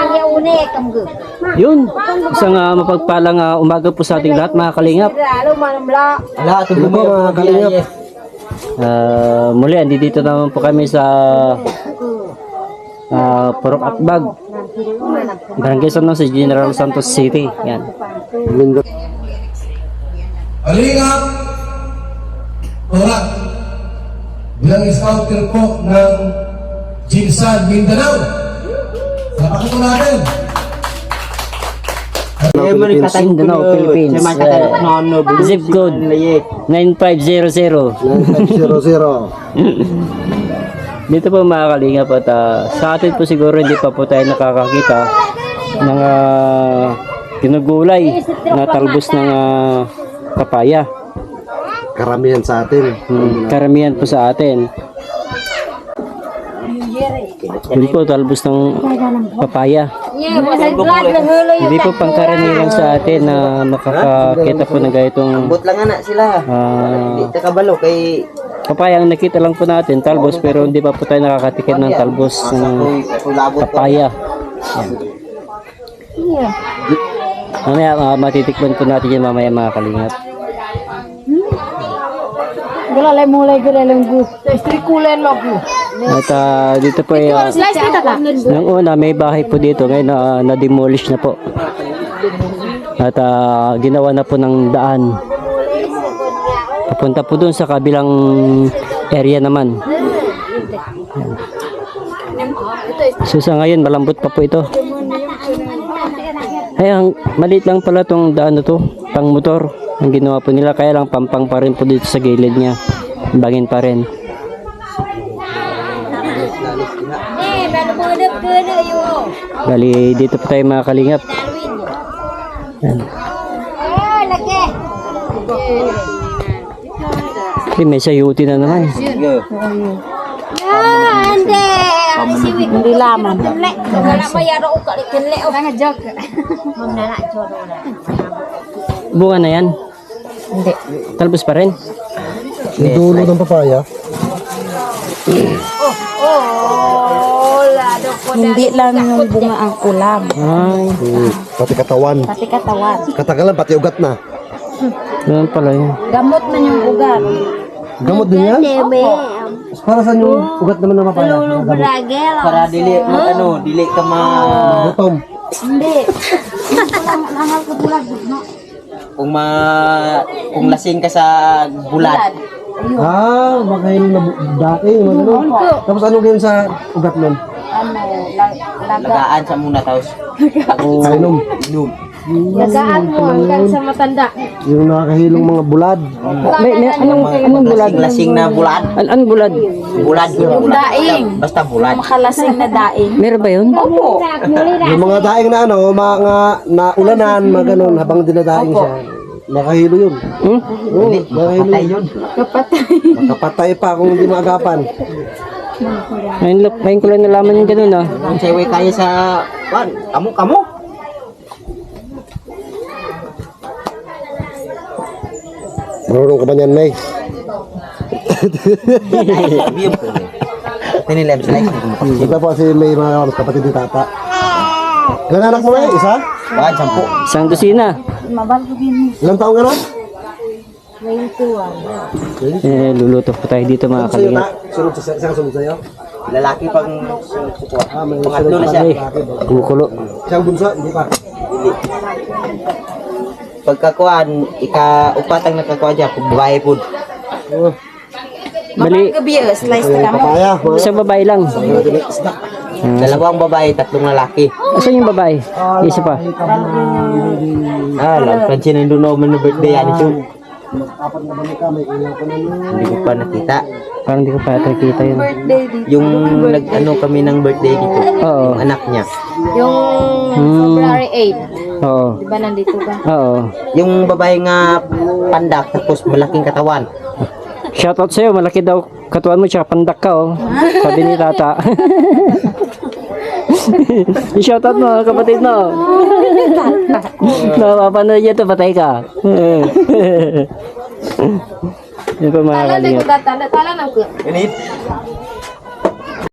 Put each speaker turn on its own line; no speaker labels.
Yun, isang mapagpalang umaga po sa ating lahat mga kalingap.
Ano po mga kalingap?
Muli, dito naman po kami sa Purok Atbag, Barangay San Jose, General Santos City. Yan.
Kalingap, Torak, bilang scouter po ng Jinsan Mindanao. Napakita natin.
Mindanao, Philippines. Zip code 9500.
9500.
Dito po mga kalingap at sa atin po siguro hindi pa po tayo nakakakita ng ginugulay na talbos ng papaya.
Karamihan sa atin.
Karamihan po sa atin. Yun po, talbos ng papaya. Hindi po pangkaraniwan sa atin na makakakita po ng ganitong
Ambot lang anak sila. Hindi ta kabalo kay
papaya. Ang nakita lang po natin, talbos, pero hindi pa po tayo nakakatikim ng talbos ng papaya. Mamaya matitikman po natin yan mamaya mga kalingap.
Gulalay mulai gulalay gu. Istri kulen lo gu.
At dito po nang una may bahay po dito, ngayon na-demolish na po. At ginawa na po ng daan. Papunta po dun sa kabilang area naman. So sa ngayon malambot pa po ito. Ay, maliit lang pala tong daan na to, pang motor ang ginawa po nila, kaya lang pampang pa rin po dito sa gilid niya, bangin pa rin. Bali dito po tayo mga kalingap. Yan. Okay, may sayuti na naman.
Hindi laman.
Bunga na yan?
Hindi.
Talbos pa rin?
Yung dulo ng papaya.
Hindi lang yung bunga ang kulam.
Ay,
Pati katawan.
Pati katawan.
Katagalan, pati ugat na.
ganun pala yun.
Gamot man yung ugat.
Gamot din yan? Para saan yung ugat naman ng papaya?
para dili mo dili ka
Gutom.
Hindi.
kung lasing ka sa bulat.
Makain na dati. Tapos ano ganyan sa ugat nun?
Lagaan sa muna taos.
Kainom.
Inom.
Lagaan mo hanggang sa matanda.
Yung nakakahilong mga bulad.
Anong bulad?
Lasing na bulad.
Anong bulad?
Bulad.
Yung daing.
Basta bulad.
Makalasing na daing.
Meron ba yun?
Opo.
Yung mga daing na mga naulanan, mga ganun, habang dinadaing siya. Nakahilo yun. Oo, nakahilo yun. Makapatay pa kung hindi maagapan.
Ngayon ko lang nalaman yung ganun
Kung sa'yo kaya sa kamo.
Marunong ka ba niyan, May?
Tinilem sila.
Ito po si May, mga kapatid ni Tata. Ilan anak mo, May? Isa?
Wag, 10.
Isang dosina.
Ilang taong ka na?
Luluto po tayo dito mga kalingap.
Sunod sa isang sunod sa'yo?
Lalaki pang
May
pangatlo na siya.
Ay, kumukulo.
Siyang bunso, hindi pa.
Pagkakuan, ika-upat ang nakakuan dyan, babae po.
Bali,
Slice na kamo.
Papaya.
isang babae lang.
Dalawang babae, 3 lalaki.
Asan yung babae? Isa pa.
Pansin na doon naman na birthday yan ito.
Apat na balik ka, may ilang ko na
Hindi ko pa nakita.
Parang di ko pa nakikita yun.
Yung nag-ano kami ng birthday dito.
Oo.
Yung anak niya.
Yung February 8.
Oo.
Diba nandito ka?
Oo.
Yung babae nga pandak, tapos malaking katawan.
Shoutout sa'yo, malaki daw katuan mo, tsaka pandak ka, oh. Sabi ni Tata. Shoutout mo, kapatid mo. Napapanood niya ito, patay ka. Yun pa mga kalingap.
Tala na ko.
Ganit.